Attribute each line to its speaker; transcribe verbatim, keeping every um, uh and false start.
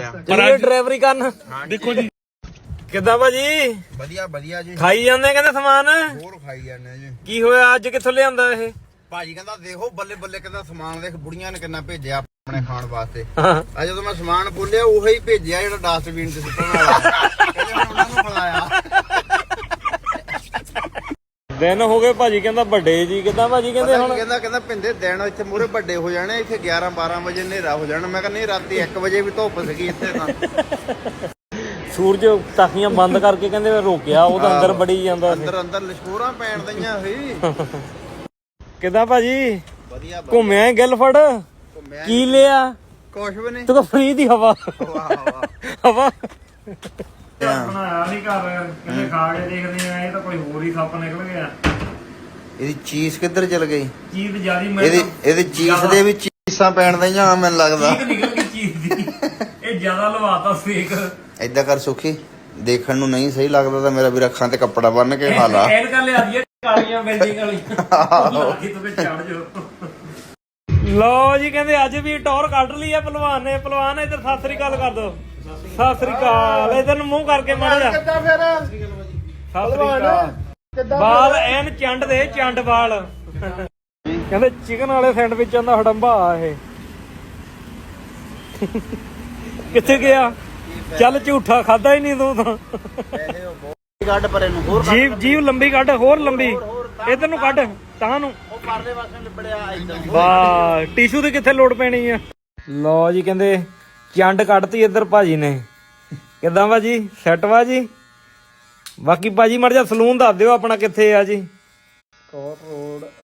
Speaker 1: ਚੱਲੀਏ ਡਰਾਈਵਰੀ ਕਰਨ। ਦੇਖੋ ਜੀ ਕਿੱਦਾਂ ਭਾਜੀ?
Speaker 2: ਵਧੀਆ ਵਧੀਆ ਜੀ।
Speaker 1: ਖਾਈ ਜਾਂਦੇ ਕਹਿੰਦੇ ਸਮਾਨ?
Speaker 2: ਹੋਰ ਖਾਈ ਜਾਂਦੇ ਜੀ।
Speaker 1: ਕੀ ਹੋਇਆ ਅੱਜ ਕਿੱਥੋਂ ਲਿਆਂਦਾ ਇਹ?
Speaker 2: ਭਾਜੀ ਕਹਿੰਦਾ ਦੇਖੋ ਬੱਲੇ ਬੱਲੇ ਕਹਿੰਦਾ ਸਮਾਨ ਦੇਖ ਬੁੜੀਆਂ ਨੇ ਕਿੰਨਾ ਭੇਜਿਆ ਆਪਣੇ ਖਾਣ ਵਾਸਤੇ।
Speaker 1: ਹਾਂ
Speaker 2: ਆ ਜਦੋਂ ਮੈਂ ਸਮਾਨ ਖੋਲਿਆ ਉਹੀ ਭੇਜਿਆ ਜਿਹੜਾ ਡਸਟਬਿਨ ਤੇ ਸੁੱਟਣ ਵਾਲਾ। ਕਹਿੰਦੇ ਮੈਂ ਉਹਨਾਂ ਨੂੰ ਖਿਲਾਇਆ।
Speaker 1: ਦਿਨ ਹੋ ਗਏ ਭਾਜੀ ਕਹਿੰਦਾ ਵੱਡੇ ਜੀ। ਕਿੱਦਾਂ ਭਾਜੀ ਕਹਿੰਦੇ ਹੁਣ?
Speaker 2: ਕਹਿੰਦਾ ਕਹਿੰਦਾ ਪਿੰਦੇ ਦਿਨ ਇੱਥੇ ਮੂਰੇ ਵੱਡੇ ਹੋ ਜਾਣੇ, ਇੱਥੇ ਗਿਆਰਾਂ ਬਾਰਾਂ ਵਜੇ ਹਨੇਰਾ ਹੋ ਜਾਣਾ। ਮੈਂ ਕਹਿੰਦਾ ਨਹੀਂ ਰਾਤੀ ਇੱਕ ਵਜੇ ਵੀ ਧੁੱਪ ਸੀਗੀ ਇੱਥੇ ਤਾਂ। ਸੂਰਜ
Speaker 1: ਟਾਕੀਆਂ ਬੰਦ ਕਰਕੇ ਕਹਿੰਦੇ ਰੋਕਿਆ ਉਹ ਤਾਂ ਅੰਦਰ ਬੜੀ ਜਾਂਦਾ
Speaker 2: ਅੰਦਰ ਅੰਦਰ ਲਿਸ਼ਕੋਰਾਂ ਪੈਣ ਦਈਆਂ ਸੀ।
Speaker 1: ਕਿੱਦਾਂ ਭਾਜੀ?
Speaker 2: ਵਧੀਆ
Speaker 1: ਘੁੰਮਿਆ ਗਿਲਫੜ? ਕੀ ਲਿਆ?
Speaker 2: ਕੁਛ ਵੀ ਨਹੀਂ।
Speaker 1: ਤੂੰ ਤਾਂ ਫ੍ਰੀ ਦੀ ਹਵਾ ਹਵਾ
Speaker 3: ਬਣਾਇਆ ਨਹੀਂ ਘਰ ਕਹਿੰਦੇ ਖਾ ਕੇ ਦੇਖਦੇ ਆ ਇਹ ਤਾਂ ਕੋਈ ਹੋਰ ਹੀ ਸੱਪ ਨਿਕਲ ਗਿਆ।
Speaker 2: ਇਹਦੀ ਚੀਜ਼ ਕਿੱਧਰ ਚਲ ਗਈ?
Speaker 3: ਚੀਜ਼ ਜਿਆਦੀ ਮੈਂ
Speaker 2: ਇਹਦੀ ਇਹਦੀ ਚੀਜ਼ ਦੇ ਵਿੱਚ ਚੀਜ਼ਾਂ ਪੈਣ ਦਈਆਂ ਮੈਨੂੰ ਲੱਗਦਾ।
Speaker 3: ਚੀਜ਼ ਨਿਕਲ ਗਈ ਚੀਜ਼ ਦੀ। ਇਹ ਜ਼ਿਆਦਾ ਲਵਾਤਾ ਸੇਕ।
Speaker 2: ਏਦਾਂ ਕਰ ਸੁਖੀ ਦੇਖਣ ਨੂੰ ਨਹੀਂ ਸਹੀ ਲੱਗਦਾ ਤਾਂ ਮੇਰਾ ਵੀ ਅੱਖਾਂ ਤੇ ਕੱਪੜਾ ਬੰਨ ਕੇ ਖਾ ਲਾ।
Speaker 3: ਐਡ ਕਰ ਲਿਆ ਦੀ ਕਾਲੀਆਂ ਬਿਲਡਿੰਗ ਵਾਲੀਆਂ ਲਾ ਕੇ ਤੂੰ ਚੜ ਜਾ।
Speaker 1: ਲਓ ਜੀ ਕਹਿੰਦੇ ਅੱਜ ਵੀ ਟੌਰ ਕੱਢ ਲਈ ਆ ਪਹਿਲਵਾਨ ਨੇ। ਪਹਿਲਵਾਨ ਇੱਧਰ ਸਤਿ ਸ੍ਰੀ ਅਕਾਲ ਕਰ ਦੋ। ਸਤਿ ਸ੍ਰੀ ਅਕਾਲ। ਇੱਧਰ ਨੂੰ ਮੂੰਹ ਕਰਕੇ ਮਾਰ ਜਾ।
Speaker 2: ਕਿੱਦਾਂ ਫਿਰ
Speaker 1: ਸਤਿ ਸ੍ਰੀ ਅਕਾਲ। ਬਾਲ ਐਨ ਚੰਡ ਦੇ ਚੰਡ ਬਾਲ। ਕਹਿੰਦੇ ਚਿਕਨ ਵਾਲੇ ਸੈਂਡਵਿਚਾਂ ਦਾ ਹੜੰਬਾ ਆ ਇਹ। ਕਿੱਥੇ ਗਿਆ? ਚੱਲ ਝੂਠਾ ਖਾਦਾ ਹੀ ਨਹੀਂ ਤੂੰ ਤਾਂ।
Speaker 2: ਕੱਢ ਪਰੇ ਨੂੰ ਹੋਰ
Speaker 1: ਜੀਵ ਜੀਵ ਲੰਬੀ ਕੱਢ, ਹੋਰ ਲੰਬੀ। ਇਧਰ ਨੂੰ ਕੱਢ ਤਾਂ ਨੂੰ।
Speaker 2: ਉਹ ਪਰਲੇ ਪਾਸੇ ਲਿਬੜਿਆ ਇਦਾਂ।
Speaker 1: ਵਾਹ ਟਿਸ਼ੂ ਦੀ ਕਿੱਥੇ ਲੋੜ ਪੈਣੀ ਆ। ਲਓ ਜੀ ਕਹਿੰਦੇ ਚੰਡ ਕੱਢਤੀ ਇੱਧਰ ਭਾਜੀ ਨੇ। ਕਿੱਦਾਂ ਭਾਜੀ? ਸੈੱਟ ਵਾ ਜੀ? ਬਾਕੀ ਭਾਜੀ ਮੜ ਜਾ ਸਲੂਨ ਦੱਸ ਦਿਓ ਆਪਣਾ ਕਿੱਥੇ ਆ ਜੀ?
Speaker 2: ਕੋਟ ਰੋਡ